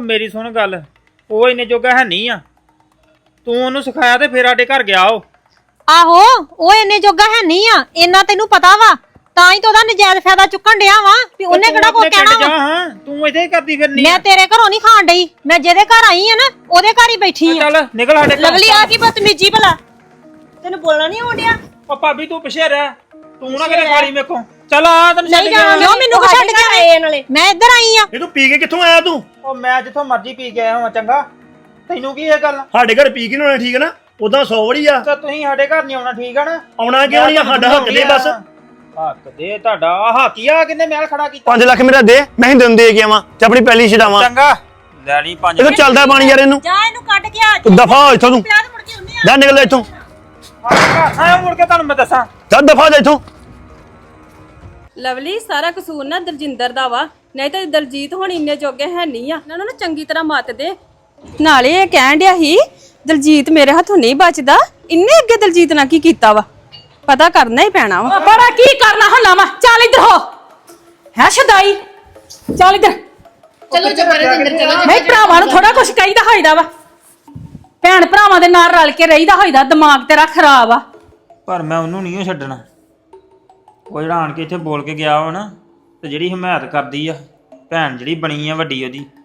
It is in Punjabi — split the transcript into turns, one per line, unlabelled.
ਉਹ ਮੇਰੀ ਸੁਣ ਗੱਲ, ਉਹ ਇੰਨੇ ਜੋਗਾ ਹੈ ਨਹੀਂ ਆ। ਤੂੰ ਉਹਨੂੰ ਸਿਖਾਇਆ ਤੇ ਫੇਰ ਸਾਡੇ ਘਰ ਗਿਆ ਉਹ।
ਆਹੋ ਉਹ ਇੰਨੇ ਜੋਗਾ ਹੈ ਨਹੀਂ ਆ, ਇੰਨਾ ਤੈਨੂੰ ਪਤਾ ਵਾ, ਤਾਂ ਹੀ ਤਾਂ ਉਹਦਾ ਨਜਾਇਜ਼ ਫਾਇਦਾ ਚੁੱਕਣ ਡਿਆ ਵਾ ਵੀ ਉਹਨੇ ਕਿਹੜਾ ਕੋਈ ਕਹਿਣਾ ਵਾ।
ਹਾਂ ਤੂੰ ਇੱਥੇ ਹੀ ਕਰਦੀ ਫਿਰਨੀ।
ਮੈਂ ਤੇਰੇ ਘਰੋਂ ਨਹੀਂ ਖਾਣ ਡਈ, ਮੈਂ ਜਿਹਦੇ ਘਰ ਆਈ ਆ ਨਾ ਉਹਦੇ ਘਰ ਹੀ ਬੈਠੀ ਆ।
ਚੱਲ ਨਿਕਲ ਸਾਡੇ ਘਰ।
ਲਵਲੀ ਆ ਕੀ ਬਦਤਮੀਜੀ ਭਲਾ, ਤੈਨੂੰ ਬੋਲਣਾ ਨਹੀਂ ਆਉਂਦਿਆ?
ਉਹ ਭਾਬੀ ਤੂੰ ਪਿੱਛੇ ਰਹਿ, ਤੂੰ ਨਾ ਕਰੇ ਖਾਲੀ ਮੇਕੋ। ਚੱਲ ਆ ਤੈਨੂੰ ਛੱਡ
ਨਹੀਂ
ਕੇ
ਜਾਣਾ, ਕਿਉਂ ਮੈਨੂੰ ਛੱਡ ਕੇ ਆਏ ਨਾਲੇ? ਮੈਂ ਇੱਧਰ ਆਈ ਆ।
ਇਹ ਤੂੰ ਪੀ ਕੇ ਕਿੱਥੋਂ ਆਇਆ ਤੂੰ?
ਉਹ ਮੈਂ ਜਿੱਥੋਂ ਮਰਜ਼ੀ ਪੀ ਕੇ ਆਇਆ ਹਾਂ, ਚੰਗਾ ਤੈਨੂੰ ਕੀ ਇਹ ਗੱਲ?
ਸਾਡੇ ਘਰ ਪੀ ਕੇ ਨਹੀਂ ਆਉਣਾ, ਠੀਕ ਹੈ ਨਾ? ਉਦਾਂ 100 ਵੜੀ ਆ।
ਤਾਂ ਤੁਸੀਂ ਸਾਡੇ ਘਰ ਨਹੀਂ ਆਉਣਾ, ਠੀਕ ਆ ਨਾ?
ਆਉਣਾ ਕਿਉਂ ਨਹੀਂ? ਸਾਡਾ ਹੱਕ ਦੇ ਬਸ।
ਹੱਕ ਦੇ ਤੁਹਾਡਾ ਹਾਕੀਆ ਕਿੰਨੇ ਮਹਿਲ ਖੜਾ ਕੀਤਾ?
5 ਲੱਖ ਮੇਰਾ ਦੇ, ਮੈਂ ਹੀ ਦਿਨ ਦੇ ਕੇ ਆਵਾਂ ਤੇ ਆਪਣੀ ਪੈਲੀ ਛਡਾਵਾਂ।
ਚੰਗਾ ਲੈ ਲਈ 5
ਇਹ ਤਾਂ ਚੱਲਦਾ ਪਾਣੀ ਯਾਰ, ਇਹਨੂੰ
ਜਾ ਇਹਨੂੰ ਕੱਢ ਕੇ ਆ।
ਤੂੰ ਦਫਾ ਹੋ ਇੱਥੋਂ, ਤੂੰ
ਪਿਆਰ ਮੁੜ ਕੇ ਹੁੰਨੇ ਆ।
ਜਾ ਨਿਕਲ ਇੱਥੋਂ,
ਆਇਆ ਮੁੜ ਕੇ ਤੁਹਾਨੂੰ ਮੈਂ ਦੱਸਾਂ।
ਜਾ ਦਫਾ ਜਾ ਇੱਥੋਂ।
ਲਵਲੀ ਸਾਰਾ ਕਸੂਰ ਨਾ ਦਲਜਿੰਦਰ ਦਾ ਵਾ, ਨਹੀਂ ਤਾਂ ਦਲਜੀਤ ਹੁਣ ਇੰਨੇ ਜੋਗੇ ਹੈ ਨਹੀਂ ਆ। ਇਹਨਾਂ ਨੂੰ ਨਾ ਚੰਗੀ ਤਰ੍ਹਾਂ ਮੱਤ ਦੇ। ਨਾਲੇ ਇਹ ਕਹਿਣ ਡਿਆ ਸੀ ਦਲਜੀਤ ਮੇਰੇ ਹੱਥੋਂ ਨਹੀਂ ਬਚਦਾ, ਇੰਨੇ ਅੱਗੇ ਦਲਜੀਤ ਨਾਲ ਕੀ ਕੀਤਾ ਵਾ, ਪਤਾ ਕਰਨਾ ਹੀ ਪੈਣਾ ਵਾ।
ਬੜਾ ਕੀ ਕਰਨਾ ਹੱਲਾ ਵਾ, ਚੱਲ ਇੱਧਰ ਹੋ ਹੈ ਸ਼ਦਾਈ, ਚੱਲ ਇੱਧਰ।
ਚਲੋ ਜਬਰਦਸਤ ਚਲੋ।
ਨਹੀਂ ਭਰਾਵਾਂ ਨੂੰ ਥੋੜਾ ਕੁਝ ਕਹੀਦਾ ਹੋਈਦਾ ਵਾ, ਭੈਣ ਭਰਾਵਾਂ ਦੇ ਨਾਲ ਰਲ ਕੇ ਰਹੀਦਾ ਹੋਈਦਾ, ਦਿਮਾਗ ਤੇਰਾ ਖਰਾਬ ਆ।
ਪਰ ਮੈਂ ਉਹਨੂੰ ਨਹੀਂ ਛੱਡਣਾ। ਉਹ ਜਿਹੜਾ ਆਣ ਕੇ ਇੱਥੇ ਬੋਲ ਕੇ ਗਿਆ ਵਾ ਨਾ, ਤੇ ਜਿਹੜੀ ਹਮਾਇਤ ਕਰਦੀ ਆ ਭੈਣ ਜਿਹੜੀ ਬਣੀ ਆ ਵੱਡੀ ਉਹਦੀ,